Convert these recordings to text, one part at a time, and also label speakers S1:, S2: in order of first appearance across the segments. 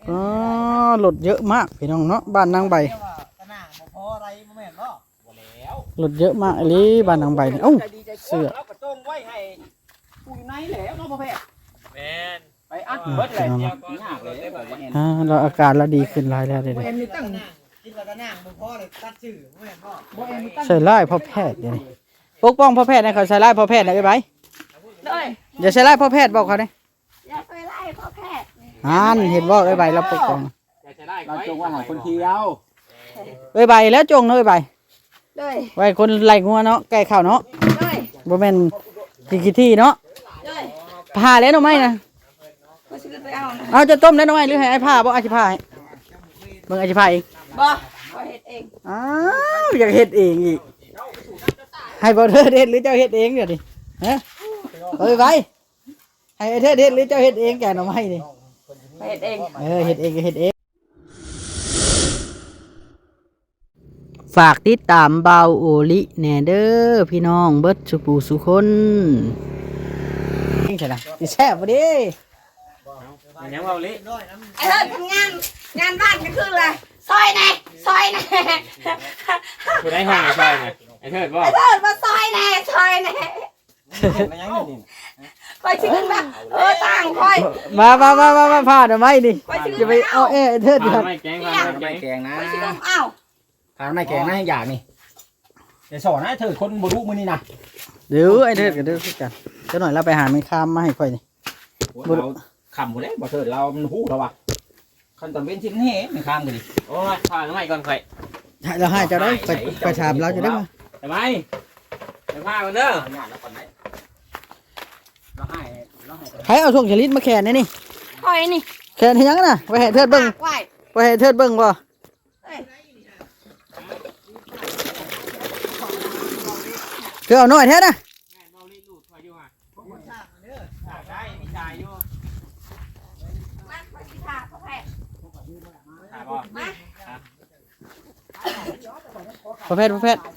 S1: อ๋อรถเยอะมากพี่น้องเนาะบ้านนางใบรถเยอะมากเลยบ้านนางใบนี่เอ้าเสื้อ
S2: แล้วก็จงไว้ให้ผู้อยู่ในแล้วเนาะพ่อแพทย์แม่นไปอัด
S1: อ่า
S2: เบิดเลยเดียวก็ยากเลยแบบว่า
S1: เราอาการเราดีขึ้นหลายแล้วเด้
S2: บ่
S1: อ
S2: เอ็นนี่ตั้ง
S3: กินกระนางบ่พอเลยตัดชื่อบ่แม่นบ่
S2: บ่เอ็นนี่ตั้ง
S1: ใส่ร้ายพ่อแพทย์เดี๋ยวนี้ปกป้องพ่อแพทย์นะเขาใส่ร้ายพ่อแพทย์นะไอ้ใบ
S4: ด้วย
S1: อย่าใส่ร้ายพ่อแพทย์บอกเขาเด้
S4: อย่าไปไล่พ่อแพทย์
S1: เห็นบอกไอ้ใบเราปกป้อง
S2: เราจงว่าให้คนเที่ยว
S1: ไอ้ใบแล้วจงเนาะไอ้ใบ
S4: ด้วย
S1: ไว้คนไล่งัวเนาะแก่ข้าวเนาะ
S4: ด้วย
S1: บ่แม่นขี้ที่เนาะ
S4: ด้วย
S1: ผ่าแล้วหน่อไม้นะ
S4: ก็ซื้อไปเอานะ
S1: เอาจะต้มแล้วหน่อไม้หรือให้ไอ้ผ่าบ่อาชิผ่าให้เบิ่งอาชิผ่าเอง
S4: บ่ก็เฮ็ดเอง
S1: อ้าวอยากเฮ็ดเองอีกให้บ่เธอเฮ็ดหรือเจ้าเฮ็ดเองเดี๋ยวนี้ฮะเอ้ยใบให้ไอ้เธอเฮ็ดหรือเจ้าเฮ็ดเองแกหน่อไม้นี่
S4: ไปเฮ็ดเอง
S1: เฮ็ดเองก็เฮ็ดเองฝากติดตามเบาโอลิแหน่เด้อพี่น้องเบิดสุปูสุคนนี่ใช่ล่ะสิแซ่บบ่เด้
S2: ยังว่าลิ
S4: ไอ้เฮ็ดทำงานบ้านก็คืออะไรซอยแน่ซอยแน่
S2: ผู้ได้ห้องไอ้ชายไงไอ้เทิดบ่
S4: ไอ้เฮ็ดมาซอยแน่ซอยแน่คอยชื่อแบบต่างคอย
S1: มาผ่าหน่อไม้ดิจะไปเอาไอ้เธอ
S2: ผ่านไม่แกงผ่านไม่แกงนะ
S4: คอยชื่ออ้าว
S2: ผ่านไม่แกงนะอย่างนี้เดี๋ยวสอนนะเถิดคนบ่รู้มื้อนี้นะ
S1: เดี๋ยวไอ้เธอก็เด้อคือกันเจ้าหน่อยเราไปหาไม่ข้ามมาให้ค่อยนี่
S2: เราขำหมดเลยบ่เถิดเรามันฮู้แล้วว่ะคันตอนเว้นชิ้นเฮ้ไม่ข้ามกันดิโอ้ยผ่านไม่ก่อนใคร
S1: เราให้เจ้าได้ไปถามเราจะได้มา
S2: ทำไมไปพากันเด้อเราให้
S1: ใครเอาช่วงชลิดมาแขนนี่
S4: คอยนี่
S1: แขนให้ยังน่ะไปให้เธอเบิ่ง
S4: ไหว
S1: ไปให้เธอเบิ่งบ่เธอเอาหน่อยแท้นะ
S2: ได้มีจ่ายอยู่
S4: มาคอยสิค่ะพ่อแพทย์
S2: ถามบ่
S4: มา
S1: ประเภท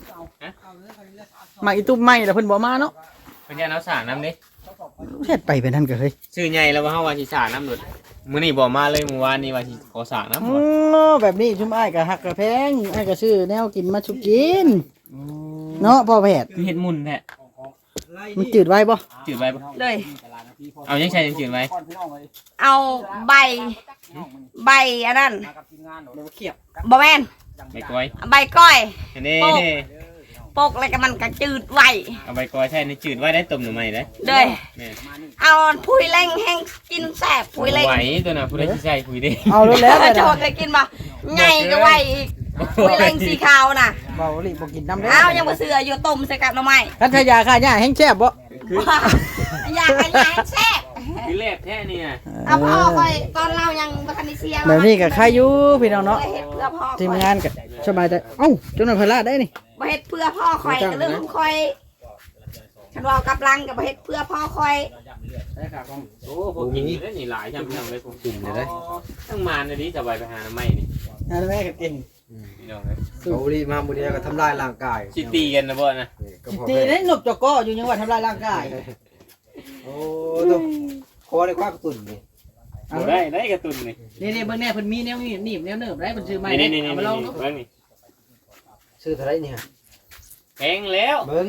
S1: มาอีตุ้มไม้แล้วเพิ่นบ่มาเนาะ
S2: เพิ่นจะเอาสารน้ำดิ
S1: เฮ็ดไปเป็นนั่นก็เฮ้ย
S2: ชื่อใหญ่แล้วว่าเฮาว่าสิสารน้ำหลุดมื้อนี้บ่มาเลยเมื่อวานนี้ว่าสิขอสารน้ำ
S1: อ๋อแบบนี้ชุมอ้ายก็ฮักก็แพงอ้ายก็ซื้อแนวกินมาชุกินเนาะพ่อแพทย์
S2: คือเฮ็ดมุนแท้
S1: มันจืดไว้บ่
S2: จืดไว้บ่
S4: เลย
S2: เอายังใช้ยังจืดไว้
S4: เอาใบอันนั้น
S1: เขียบ
S4: บ่แม่น
S2: ใบกล้วย
S4: ใบก้อย
S2: นี่
S4: ปกอะไรก็มันก็จืดไว้
S2: เอาใบกล้วยใช่ในจืดไว้ได้ต้มหน่อไม้ได้
S4: เลย
S2: แม่
S4: เอาพุยเล่งแห้งกินแซ่บพุยเล่ง
S2: ไหวตัวน่ะผู้ใดสิใช้ผู้ใด
S1: เอาแล้ว
S4: โจเคยกินป่ะไงก็ไว้อีกพุยเล่งสีขาวน่ะ
S1: เบาหลีบ่กินน้ำเด้
S4: เอายังบ่เสืออยู่ต้มใส่กับหน่อไม้
S1: คันทยาค่าหญ้าแห้งแซ่บบ่
S4: อยากให้ยายแซ่บ
S2: คือแรกแท้นี่น่ะ
S4: เอาพ่อคอยตอนเรายังบ่ทันได้เสีย
S1: แบบนี้ก็ใครอยู่พี่น้องเนาะ
S4: บ่เฮ็ดเพื่อพ่อ
S1: ทีมงานก็สบายใจเอ้าเจ้าหน่อยพลาดได้นี่
S4: บ่เฮ็ดเพื่อพ่อคอยก็เรื่องของคอยฉันว่ากับลังก็บ่เฮ็ดเพื่อพ่อคอย
S2: โอ้พวกกินนี่นี่หลายจังพี่น้องเลยพวกกินเลยทั้งมานนี่จะไปหาหน่อไม้นี่
S1: งานแม่ก็เก่ง
S2: พี่น้องเลย
S3: เขาดีมาบุรีก็ทำลายร่างกาย
S2: สิตีกันนะบ่นะ
S1: ทีนี้หนบจอกออยู่จังหวัดทำลายร่างกาย
S3: โอ้ตัวคอได้คว้ากระตุ่นนี่
S2: เอาได้กระตุ้นนี่
S1: นี่เบิ่งแน่เพิ่นมีแนวหนีบแนวเนิบได้เพิ่นซื้อใหม่
S2: นี่
S1: เอามาลองดู
S2: เบิ่งนี่
S3: ซื้อเท่าไรเนี่ย
S2: แพงแล้ว
S3: เบิ้ง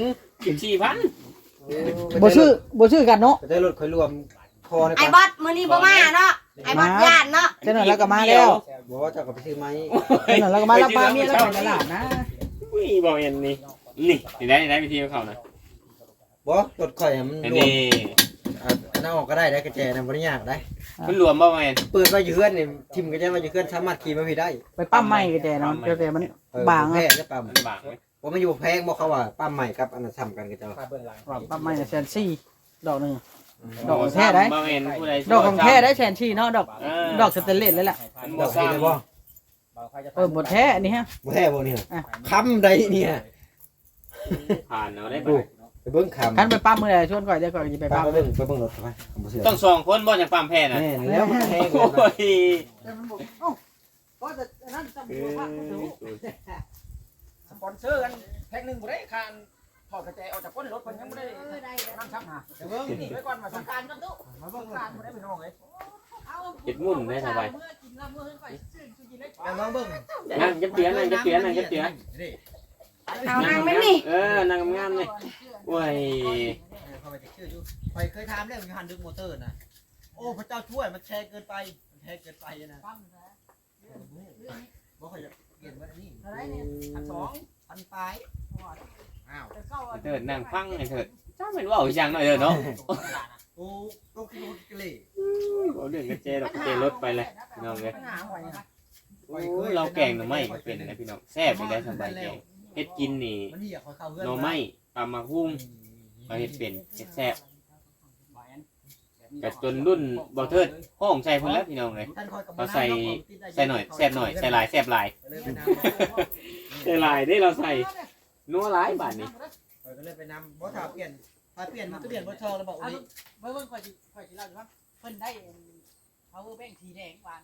S2: 14,000
S1: บ่ซื้อกันเนาะ
S3: จะได้รถคอยรวมคอได้
S4: ไอ้
S3: ปะ
S4: บอสมื้อนี้บ่มาเนาะไอ้บอสย่านเนาะ
S1: เจ้าหน่อยแล้วก็มาแล้ว
S3: บอกว่าจะกลับไปซื้อไหม
S1: เจ้าหน่อยแล้วก็มาแล้วปลาเมียแล้วไปตลาดนะ
S2: อุ้ยบ่เห็นนี่นี่ได้วิธีของเขานะ
S3: บอกรถคอยมัน
S2: อัน
S3: รวม
S2: นี้
S3: อันนั้นออกก็ได้กระแจนะบริยากได้
S2: มันรวมบ่แม่น
S3: เปิดไว้อยู่เพื่อนนี่ทิมกระแจไว้อยู่เพื่อนสามารถขี่มาพี่ได้
S1: ไปปั้มไม้ก็แจเนาะเจ้าแต่มันบาง
S3: แพ้
S1: อ่ะ
S3: จะปั๊ม
S2: มันบางไหม
S3: ว่ามันอยู่แพงบอกเขาว่าปั๊มใหม่กับอันนั้นซ้ำกันกันจ้า
S1: ปั้มไม้น่ะ140,000ดอกนึง ดอกของแท้ได้
S2: บ่แม่นผู้ใด
S1: ดอกของแท้ได้140,000เนาะดอกสเตนเลสเลยแหละ
S3: ดอกที่ได้บ่
S1: บ่แท้อันนี้ฮะ
S3: บ่แท้บ่เนี่ยค้ำใดเนี่ย
S2: ผ่านเอาได้
S3: ดู
S2: บ่
S3: ไปเบิ้งค้ำ
S1: คันไปปั้มมื้อใดชวนก่อนเดี๋ยวก่อนสิไป
S3: ไป
S1: ปั้ม
S3: เบิ้งรถไปบ่เชื่อ
S2: ต้อง2คนบ่จังปั๊มแพ้น่ะ
S3: แม่นแล้วมันแพง
S2: โอ้ย
S5: สปอนเซอร์กันแพ็คหนึ่งบ่ได้คานถอดกระแจออกจากก้นรถเพิ่นยังบ่ได้นั่งซ้ำหาเดี๋ยวเบิ่งนี่ไว้ก่อนมาสงการกันตู้มาเบิ่งการบ่ได้พี่น้องเอ้ย
S2: เฮ็ดมุ่นได้สบาย
S4: เมื่อกินเห
S3: ลองเบิ่ง
S6: นั่งเก็บเตียงนั่งเก็บเตียงนั่งเก็บเตียง
S4: เอานั่งไหมนี่
S6: นั่งงามเลยโอ้ย
S3: เข้าไปจะชื่ออยู่ไปเคยถามเรื่องหันดึงมอเตอร์นะโอ้พระเจ้าช่วยมันแชร์เกินไปมันแชร์เกินไปนะบ่ค่อยจะเปลี่ยนว่านี่พันปลายอ้าว
S6: เถิดนั่งฟังไอ้เถิดจ้าเป็นว่าอย่างหน่อยเถิดเนาะ
S3: โอ้ก็คือรถกระเลย
S6: เอาเรื่องกระเจดอกกระเจรถไปเลยพี่น้องเลยโอ้เราแกงหน่อไม้ก็เป็นนะพี่น้องแซ่บไปได้สบายแกงเฮ็ดกินนี่
S3: มันนี่อยากเข้าเพื่อน
S6: หน่อไม้ตำมะฮุ่งเราเฮ็ดเป็นเฮ็ดแซ่บแต่จนรุ่นบ่เทิดห้องใส่พุ่นแล้วพี่น้องเลยเราใส่หน่อยแซ่บหน่อยใส่หลายแซ่บหลายใส่หลายได้เราใส่นัวหลายบาทนี่
S3: ก็เลยไปนำบ่ถ้าเปลี่ยนมันก็เปลี่ยนบ่ชอแล้วบอกว่า
S1: เบิ่งค่อยสิเล่าอยู่ว่าเพิ่นได้ power bank สีแดงหวาน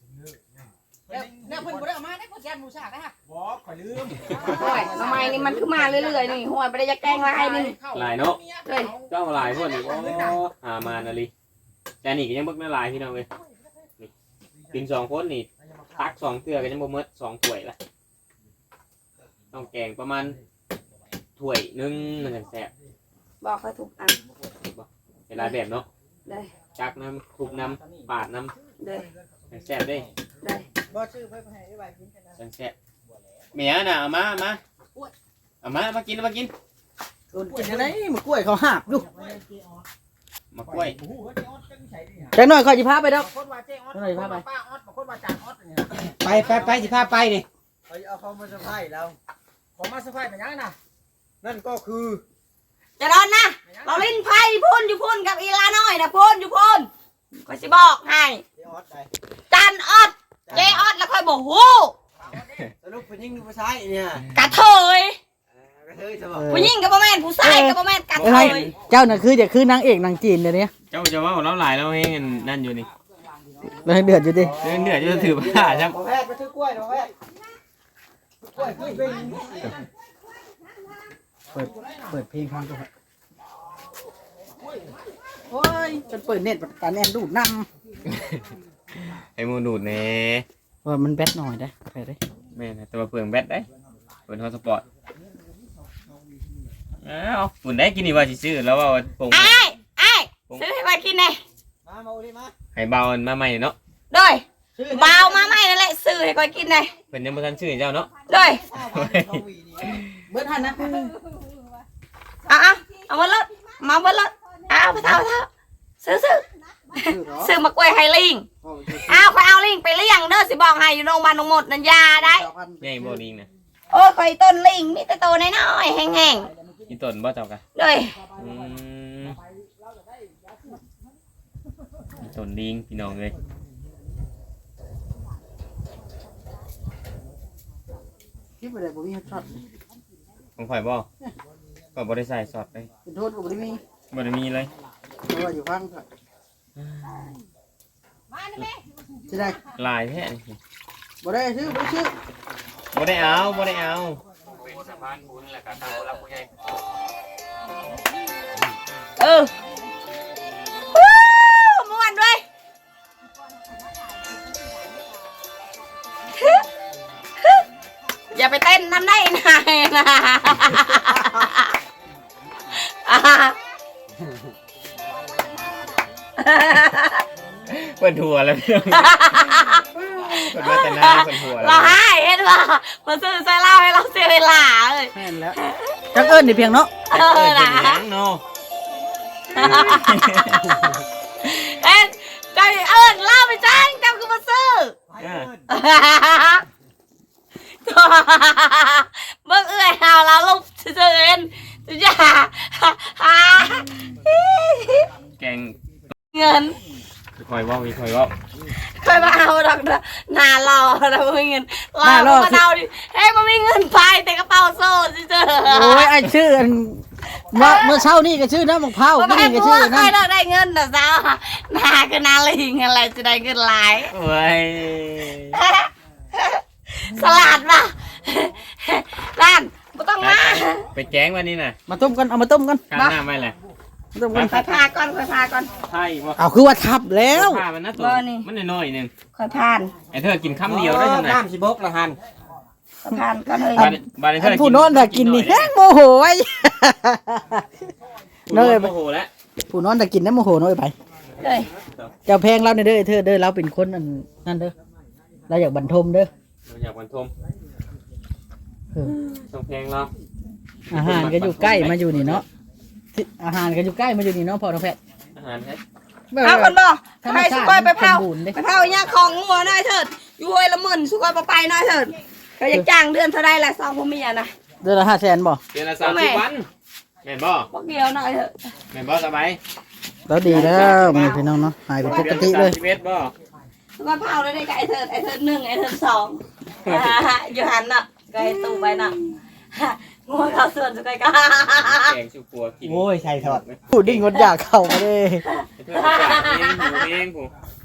S1: เนี่ยเพิ่นบ่ได้เอามาได้เพิ่นแกนหมูสากได้ฮะ
S5: บ่ข่อยลืม
S4: ห้วยทำไมนี่มันคือมาเรื่อยๆนี่ห้วยบ่ได้จะแกล้งลายนี่
S6: หลายเนาะ
S4: เลย
S6: เจ้าหลายพวกนี้โอ้หามานาลีแต่นี่ก็ยังเบิกน่าหลายพี่น้องเลยนี่กิน2คนนี่ตัก2เทื่อก็ยังบ่หมด2ถ้วยละต้องแกงประมาณถ้วยนึงมันจะแซ่บ
S4: บอกเขาถูกอัน
S6: เวลาแบบเนาะ
S4: เลย
S6: จักน้ำทุบน้ำปาดน้
S4: เลย
S6: ำแซ่บได้
S4: เลย
S1: บ่ซื้อไปให้ไว้กินกันนะ
S6: แซ่บเมียน่ะเอามามากินมากิน
S1: คนกินอะไรมากล้วยเขาหาบดู
S6: มากล้วย
S5: โอ้โหเจ๊ออดจังใส่ดิ
S1: จังหน่อยค่อยสิพาไปดอก
S5: บางคนว่าเจ๊ออดบางคนว่าป้าออดบางคนว่าจานออดเนี่ย
S3: ไปสิพาไปนี่เอาเขามาสะพายเรา
S5: ผมมาเซอร์ไพรส์เป็นยังนะ
S3: นั่นก็คือ
S4: จะโดนนะเราลิ้นไพ่พ่นอยู่พ่นกับอีลาน้อยนะพ่นอยู่พ่นก็สิบอกให้
S3: เจ๊ออดได้
S4: จันออดเจออดแล้วค่อยบอกฮู้
S3: สรุปเป็นยิ่งดูผู้ชายเนี่ย
S4: กระเทย
S3: กระเทยจะบอก
S4: ผู้หญิงกับบ่แม่นผู้ชายกับบ่แม่นกระเทย
S1: เจ้าน่ะคือนางเอกนางจีนเดี๋ยวนี้
S6: เจ้าจะว่าเราหลายเราเองนั่นอยู่นี่
S1: เราเดือดอยู่ดิ
S6: เดือดจะถือผ้าใช่ไหม
S3: หมอแพทย์ไปซื้อกล้วยหมอแพทย์กล้วยขึ้นเป็น
S1: เปิดเพลงฟังก่อนโอ้ยจนเปิดเน็ตการแอนดูดน
S6: ไอ้มูดูดเน่
S1: ำว่ามันแบตหน่อยได้ไปได้
S6: แม่นะตัวเปลืองแบตได้เปิดฮอตสปอร์ตอ้าวฝุ่นได้กินนี่ว่าสิซื้อแล้วว่าปง
S4: ไอ้ซื้อให้ไว้กินแน่
S3: มาเอาดิมา
S6: ให้เบามาใหม่เนาะ
S4: โดยเบามาใหม่นั่นแหละซื้อให้ไว้กินแน่
S6: เพิ่นยังบ่ทันซื้อเจ้าเนาะ
S4: โดย
S1: เบิดหันนะ
S4: เอามาลดมาเบิดลดเอาไปเท่าซื้อมากล้วยไฮลิงค่อยเอาลิงไปเลี้ยงเด้อสิบอกให้อยู่โรงพยาบาลหมดนันยาได้
S6: ใหญ่บ่ลิงนะ
S4: โอ้ยข่อยต้นลิงมีแต่โตน้อยๆแห้ง
S6: อีต้นบ่เจ้ากะ
S4: ๆเลย
S6: อีต้นลิงพี่น้องเอ้ย
S1: คิดไปเลยบ่มีช็อต
S6: ของข่อยบ่ก็บ่ได้ใส่ซอสเลย
S1: เป็นโทษก็บ่ได้มี
S6: บ่ได้มีเลย
S1: เพราะว่าอยู่ฟังก่อนจะได้
S6: ลายแท้นี่
S1: บ่ได้ซื้อบ่ได้ซื้อ
S6: บ่ได้เอาบ่ได้เอา
S4: ม่วนด้วยอย่าไปเต้นทำได้นายนะ
S6: เปิดหัวแล้วพี่น้องเปิดมาแต่หน้าเปิดหัวแล้ว
S4: เราให้เห็นว่ามาซื้อใส่เหล้าให้เราเสียเวลาเลย
S1: แม่นแล้วจักเอิ้นนี่เพียงเนาะ
S6: เปิดเป็นหยังเนาะ
S4: เอ็นใจเอิญเล่าไปจ้างจำคือมาซื้อเบิ่งเอื้อยหาวเราลูกซื้อเอ็นอย่า
S6: แกง
S4: เงิน
S6: คอยว่ามีคอยว่า
S4: ค่อยมาเอาดอกหน้ารอเราไม่เงินเรามาเอาดิเฮ้ยมันมีเงินไปแต่กระเป๋าโซ่เจอ
S1: โอ้ยไอ้ชื่ออันเมื่อเช้านี่ก็ชื่อน้ำมะพร้าว
S4: มัน
S1: นี่
S4: ไม่
S1: ก็
S4: พู
S1: ชื่
S4: ด
S1: อ
S4: ค่อย
S1: น้ำ
S4: ได้เงินแต่สาวหน้าก็นาลิงอะไรจะได้เงินหลาย
S6: โอ้ย
S4: สลัดป่ะร้านไม่ต้องมา
S6: ไปแจ้งวันนี้น่ะ
S1: มาต้มกันเอามาต้มกัน
S6: ข้างหน้าไม่แหละ
S1: ต้อง
S4: คอยพาก่อนคอยพาก่อน
S6: ใช่บ่
S1: เอาคือว่าทับแล้ว
S6: ผ้ามันนะตัว
S4: บ่นี่
S6: มันน้อยๆหนึง
S4: คอยพาน
S6: ไอ้เธอกินคำเดียวได้จังได๋
S5: น้ำสิบกละหัน
S4: คอยพานก่อนเลย
S6: บาดนี้เธ
S1: อั
S6: อน
S1: ผู้โน้นน่ะกินนี่แห้งโมโหไว้
S6: น้
S1: น้
S6: อ
S1: อย ย
S6: โมโหแล้ว
S1: ผู้โน้นน่ะกินน้ำโมโหน้อยไป
S4: เลย
S1: เจ้าแพงเราเด้อเธอเด้อเราเป็นคนอันนั่นเด้อเราอยากบรรทมเด้อ
S6: เราอยากบรรทม
S1: เออ
S6: ต้องเพลงเรา
S1: อาหารก็อยู่ใกล้มาอยู่นี่เนาะอาหารก็อยู่ใกล้มาอยู่นี่เนาะพ่อน้องแพทย์
S6: อาหารแท้
S4: เอาคนบ่
S1: ธรรม
S4: ให้
S1: ชา
S4: สุ
S1: ติ
S4: กอยไปเผา
S1: สมบูรณ์เด้
S4: ไปเผาเนี่ยของงัวหน่อยเถิดอยู่ห้วยละหมื่นสุกอยไปหน่อยเถิดเขาจะจ้างเดือนเท่าไรละ2พ่อเมียนะ
S1: เดือนละ500,000บ่
S6: เดือนละ30วันแม่นบ่
S4: พวกเดียวหน่อยเถิด
S6: แม่นบ่สบาย
S1: แล้วดีแล้วมื้อพี่น้องเนาะหายเป็นปกติเลย
S6: ดือนละ31บ่
S4: สุกอยเผาได้กับไอ้เถิด1ไอ้เถิด2อยู่หันน่ะก็ให้ตู้ไปน่ะงัวเขาส่วนสุกอยก็
S6: แกงชูปัวกิน
S5: โอ้ยใส่ทอด
S1: พูดดิ้งงดอยากเข้ามาเลย
S6: เพื่อนอยากเองหมูเองผู้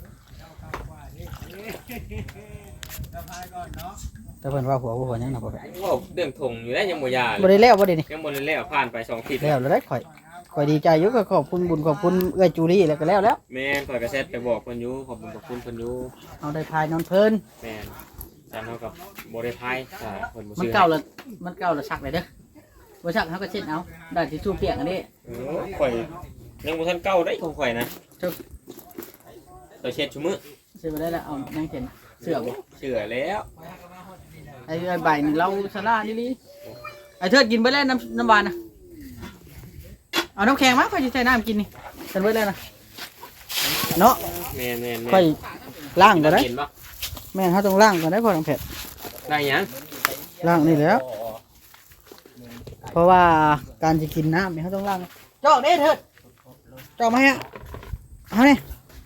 S1: แต่เพิ่นว่าหัวยังน่ะบ่
S6: ว่าเรื่องถงอยู่ได้ยังบ่ยา
S1: บ่ได้แล้วบ่ได้นี่
S6: ยังบ่ได้แล้วผ่านไป2อาทิตย์
S1: แล้วแล้วได้ข่อยดีใจอยู่ก็ขอบคุณบุญขอบคุณเอื้อจูรี่แล้วก็แล้ว
S6: แม่นข่อยก็แซดไปบอกเพิ่นอยู่ขอบคุณเพิ่นอยู่
S1: เอาได้พายนอนเพลิน
S6: แม่นแต่เฮากับบ่ได้พายถ้าเพิ่นบ่
S1: มัน
S6: ซื้อ
S1: เก่าละชักเลยเด้อบ่ชักเฮาก็เช็ดเอาได้ทิชชู่เปียกอันนี้
S6: ข่อยยังบ่ทันเก่าได้ของข่อยนะข่อยเช็ดชุมื้อ
S1: ซื้อมาได้แล้วเอายังเห็นเสื้อบ่
S6: เชื่อแล้ว
S1: ไอ้ใบนี่เราสลาลิไอ้เทิดกินไปแล้วน้ำหวานนะเอาน้ำแข็งมาค่อยจะใส่น้ำกินนี่กันไว้แล้วนะเนาะ
S6: แม่นๆ
S1: ค่อยล้างก่อนได้
S6: เห็นบ่
S1: แม่นเขาต้องล้างก่อนได้พอน้ำเผ็ด
S6: ได้หยัง
S1: ล้างนี่แล้ว เพราะว่าการจะกินน้ำเนี่ยเขาต้องล้างจอกเด้เถิดจอกมาฮะเอาเนี่ย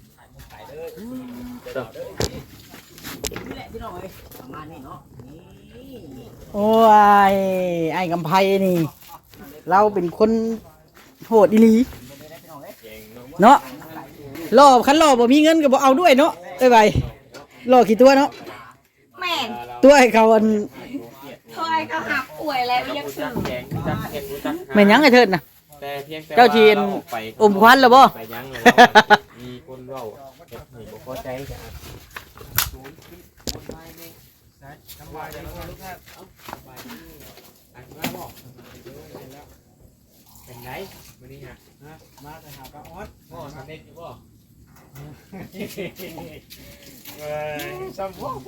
S1: โอ้ยไอ้กำไพนี่ เราเป็นคนโหดอีหลีเนาะรอคันรอบ่มีเงินก็บ่เอาด้วยเนาะเอ้ยใบรอกี่ตัวเนาะ
S4: แม่น
S1: ตัวไอ้เขาอัน
S4: ถอยก็หักป่วยแล้วยังซื้อ
S6: แกงจักเฮ็ดจัก
S1: แม่นหยังไอ้เถิดน่ะ
S6: แต่เพียงแต่
S1: เจ้าจีน อมควันแล้วบ่
S6: ไปยังเลยมีคนเว้าเฮ็ดให้บ่พอใจจ้ะเป็นไงมื้อนี้ฮะ
S5: มาแต่หาปลาออด
S6: พ่อสำเร็จอยู่บ่
S5: สมบูรณ์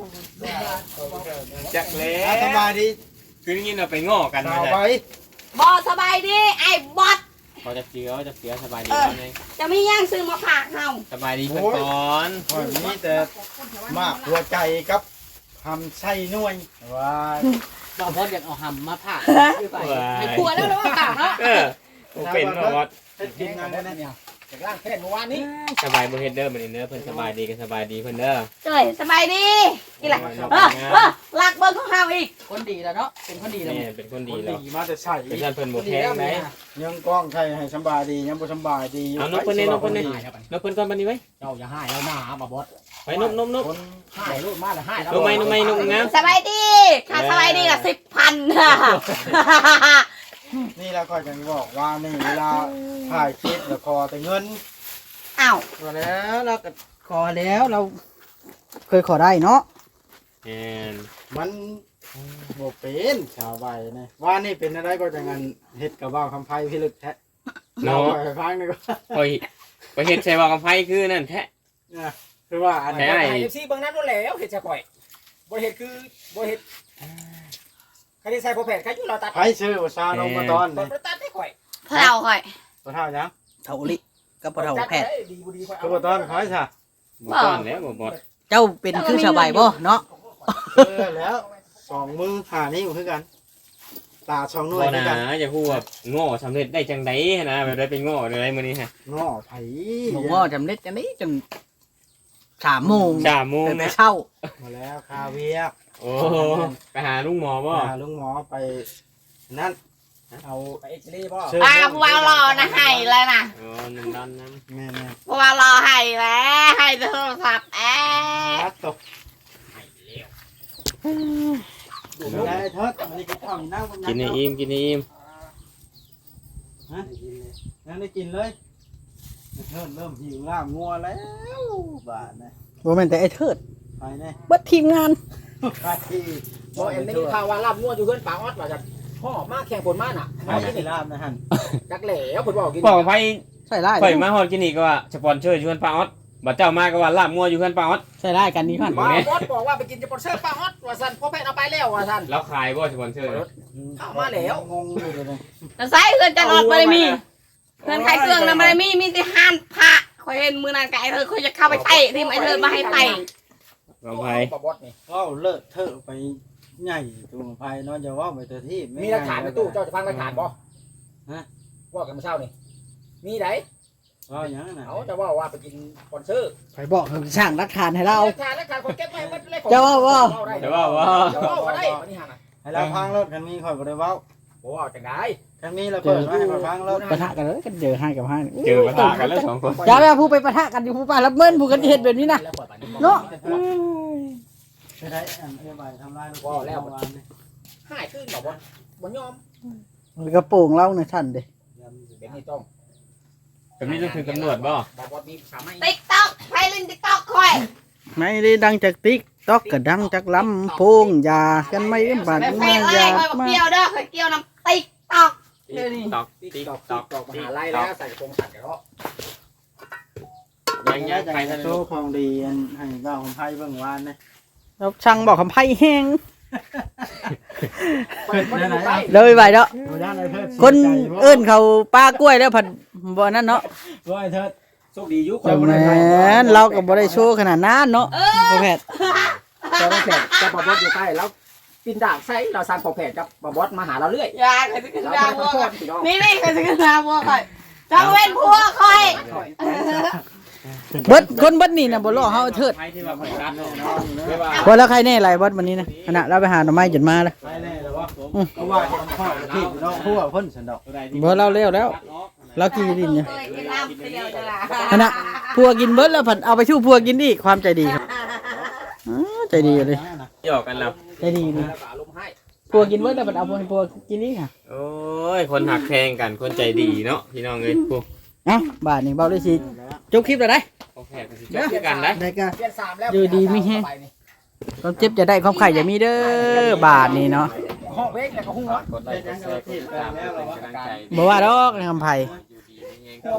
S6: จักแล้
S5: สบายว ดี
S6: คือได้ยินว่าไปง้อกัน
S5: ส
S6: มา
S5: บา
S6: จ้ะ
S5: ย
S4: บอสบายดีไอ้บอส
S6: เขาจะเสียสบายดีไหม
S4: จะไม่ย่างซื้อมาฝากเฮา
S6: สบายดีเพิ่นก่อน
S5: วันนี้แต่มากหัวใจครับทำไส้น่วยว้าย
S1: บ่พออยากเอาหำมาผ่า
S4: ไอ้ขวดแล้วหรือว่าฝากเนาะ
S6: บ่เป็นบ่ว่า
S5: เฮ็ดกินงานได้เนี่ยจากล่างแค่เมื่อวานนี้
S6: สบายบ่เฮ็ดเด้อมื้อนี้เด้อเพิ่นสบายดีกันสบายดีเพิ่นเด้อ
S4: เจ้ยสบายดีกี่ไรลักเบิ้งของเฮาอีก
S1: คนดีแล้วเนาะเป็นคนดีแล้ว
S6: แม่เป็นคนดี
S5: ดี
S6: แล้ว
S5: มาแต่ใส่
S6: เป็นท่านเพิ่นบ่แพงไหม
S5: ยังกล้องใช่ให้สบายดียังบ่สบายดี
S6: เอานกเพิ่นนี่นกเพิ่นนี่นกเพิ่นก่อนบัดนี้ไว้
S5: เจ้าอย่าให้แล้วหน้าบ่บอส
S6: ไว้นก
S5: คนให้รูดมาแล้วให้แล้ว
S6: นกไม้นกงาม
S4: สบายดีถ้าสบายดีละ10,000
S5: นี่แล้วค่อยจะบอกว่านี่เวลาถ่ายคลิปแล้วขอแต่เงิน
S4: อ้าว
S1: พอแล้วเราก็ขอแล้วเราเคยขอได้เนาะ
S6: แม่น
S5: มันบ่เป็นชาวใบนี่ว่านี่เป็นอะไรก็จะงานเฮ็ดกับว่าวคำไพ่พิลึกแท้เรา
S6: เนาะ
S5: ไปฟังนี่ก็
S6: ข่อยไปเฮ็ดใส่ว่ากับไผคือนั่นแท้
S5: คือว่าอัน
S6: แท้
S5: นี้
S6: ไอ้
S5: เอฟซีเบิ่งนั้นบ่แล้วเฮ็ดจะก่อยบ่เฮ็ดคือบ่เฮ็ดใครได้ใส่โปรแพทใครอยู่เราตัดไผชื่อว่าซาลงมาตอนนี่ตัดให้ก่อย
S4: พเราค่อย
S5: บ่เท่าจัง
S1: เท่าลิกับเท่าแพทย์
S5: ดีบ่ดีคือบ่ตอนไผซะ
S6: บ่ต้อนแล้วบ่บด
S1: เจ้าเป็นคือชาวใบบ่เนาะ
S5: แล้วสองมือหานี่คือกันตา2หน่ว
S6: บ่
S5: ยคือ
S6: นะ
S5: กัน
S6: อย่าพูดว่าง้อสำเร็จได้จังได๋นะแบบได้ไปง้อได้มื้อนี้ฮะ
S5: ง้อไผ
S1: ผมว่าจำเน็ตกันนี้จน3 โมง
S6: 3 โมง
S1: แต่
S6: นะ
S1: เช้า
S5: มาแล้วคาเวีย
S6: โอ้ไปหาลุงหมอบ่
S5: พาลุงหมอไปนั่นเอาไปเอ็กซเรย์บ่
S4: ผู้ว่ารอนะให้แล้วนะ
S6: อ๋อนั่นดอนนั้น
S5: แม่
S4: ผู้ว่ารอให้แล้วให้โทรศัพท์แอ
S5: ๆ
S4: บ
S5: ตัดตกได้เถิดอันนี้กินข้าวนี่นั่งบน
S6: กินให้อิ่มกินให้อิ่ม
S5: ฮะยังได้กินเลยเริ่มหิวลาบงัวแล้วบาดนะ
S1: บ่แม่นแต่ไอ้เทิด
S5: ไปแน่
S1: เบิดทีมงาน
S5: ไปที่
S2: บ่เอ็นได้ยินข่าวว่าลาบงัวอยู่เพื่อนป่าออดว่าจะพ่อมาแข่งผลมาน่ะ
S5: ไปที่ลาบนะฮั่น
S2: จักแหล่เพิ่นบอกกิน
S6: บอกไผ
S1: ใส่ร้าย
S6: ข่อยมาฮอดกินนี่ก็ว่าสปอนเซอร์อยู่เฮือนป้าออดบัดเจ้ามาก็ว่าลาบงัวอยู่เฮือนป้าออด
S1: ใส่ร้ายกันนี่พัน
S2: บ่บอสบอกว่าไปกินสปอนเซอร์ป่าออดว่าซั่นพ่อแพทย์เอาไปแล้วว่าซั่น
S6: แล้วขายบ่สปอนเซอร์
S2: เข้ามาแล้ว
S5: งงอยู่เลย
S4: แต่ไซส์เพื่อนจะออกมาเลยมีเพื่อนขายเครื่องนะมาเลยมีที่ห้านพระคอยเห็นมือนานไก่เธอคอยจะเข้าไปเตะที่ไอ้เธอมาให้เตะ
S6: ของไผ
S2: บอสนี่
S5: ว้าวเลิศเถอะไปใหญ่ตัวไผ่นอนจะว่าไปเตอที่
S2: มีหลักฐานในตู้เจ้าจะฟังหลักฐานบ่
S5: ฮะ
S2: ว่ากันเมื่อเช้านี่มีได
S5: ว่าอย่างนั้นนะ
S2: เอาจะว่าไปกินสปอนเซอร์
S1: ไปบอกให้สร้างหลักฐานให้เรา
S2: หลักฐานคนเก็บไว้มันเลย
S1: จะว่าว่า
S6: แต่ว่าว่า
S2: จะว่าได้อันนี้ฮะน่ะ
S5: ให้เราพังรถกันมีข่อยบ่ได้เว้า
S2: บ่ว่าจังได๋
S5: กันมีเราเปิดไว้ให้มาพังรถ
S1: ปะทะกันเลยกันเจอให้กับให้
S6: เจอปะทะกันแล้วสองคน
S1: อย่าไปผู้ไปปะทะกันอยู่ผู้ป่ารับเมินผู้กันเฮ็ดแบบนี้นะเนาะ
S5: ไปได้อันเอ้ยใบทำลายรถ
S2: ว่าแล้ว
S5: วานนี่
S2: หายขึ้นบ่บ่ยอม
S1: กระโปรงเราในท่านเด้
S2: เดี๋ยวนี้ต้อง
S6: แบบนี้ต้องถึงตำรวจบ่
S2: บอสมีสามารถ
S4: ติ๊กต๊อกไพลินติ๊กต๊อกคอย
S1: ไม่ได้ดังจากติ๊กตอกก็ดังจากลำโพงยากันไม่บาด
S4: แบบแฟ
S1: มาน
S4: เลย
S1: ยา
S4: คอยบอก
S1: มา
S4: เกี่ยวเด้อคอยเกี่ยวน้ำติ๊กต๊อก
S6: ตอก
S2: ติ๊
S6: ติ๊
S2: ก
S6: ก
S2: ตอก
S6: ตอก
S2: มหาลัยแล้วใส่กระโปรงสัตว์กันเนาะ
S6: ยังยังไปทาง
S5: โชว์ของดีอันให้เจ้าของไผ่เบิ่งวานนี่
S1: เราช่างบอกคำไพ่แห้ง
S2: เปิดมันอยู่ใต้
S1: เลยไปเนาะ
S5: บ่ย่านไอ้เทิด
S1: คนเอิ้นเขาป้ากล้วยแล้วผัดบ่นั่นเนาะ
S5: ว่าไอ้เทิด
S2: โชคดีอยู่ค
S1: แต่แม่นเราก็บ่ได้โชว์ขนาดนั้นเนาะพ่อแพทย์
S2: แต่ว่าแพทย์จะบอสอยู่ใต้แล้วปินด่างใส่เราสั่งพอแพทย์กับบอสมาหาเราเรื่อย
S4: ยาคอยจะขึ้น
S2: เรา
S4: ดา
S2: ไม่
S4: ว
S2: ได้
S4: บัว
S2: ขอโทษพี่น้อง
S4: นี่คอยจะขึ้นดาวบัวคอยจังเว้นพัวคอย
S1: เบิดคนเบิดนี่น่ะบ่รอเฮาเถิด
S6: ไผที่ว่าข่อยรัด
S5: แน่นอนเด้อ
S6: ไม่ว่า
S1: บ่แล้วใครแน่หลายเบิดวันนี้นะขณะเราไปหาหน่อไม้จนมาแล้ว
S5: ไปแน่แล้ววะเพราะว่าจะพ่อที่เนาะผู้ว่าเพิ่นสันดอก
S1: บ่เราเร็วแล้ว เรากินดินเนี่ย
S4: เคยกินน้ำเดียวจะละ
S1: ขณะพัวกินเบิดแล้วผัดเอาไปชู้พัวกินอีกความใจดีครับใจดีเลย
S6: หยอกกันแล้ว
S1: ใจดีเลย
S2: แล้วก็อารมณ์ให้
S1: พัวกินเบิดแล้วผัดเอาพัวกินอีกค่ะ
S6: โอ้ยคนหักแพงกันคนใจดีเนาะพี่น้องเอ้ยพวก
S1: เอ้าบาทนี่เบาได้สิจบคลิปแล้วได้
S6: ของแพงกันสิจบด้วยกันได้
S1: ได้ก็
S2: เปลี่ยนสามแล้ว
S1: อยู่ดีไม่แห้ง ความเจ็บจะได้ความไข่อย่ามีเด้อบาทนี่เนาะ
S2: ห้องเวกแต่ก็หุ้งเนาะ
S6: กดไลค์กดแชร์กดติดตามเป็นกำลังใจ
S1: บ่ว่าดอกคำไผ่
S6: อยู่ดีไม่แห้ง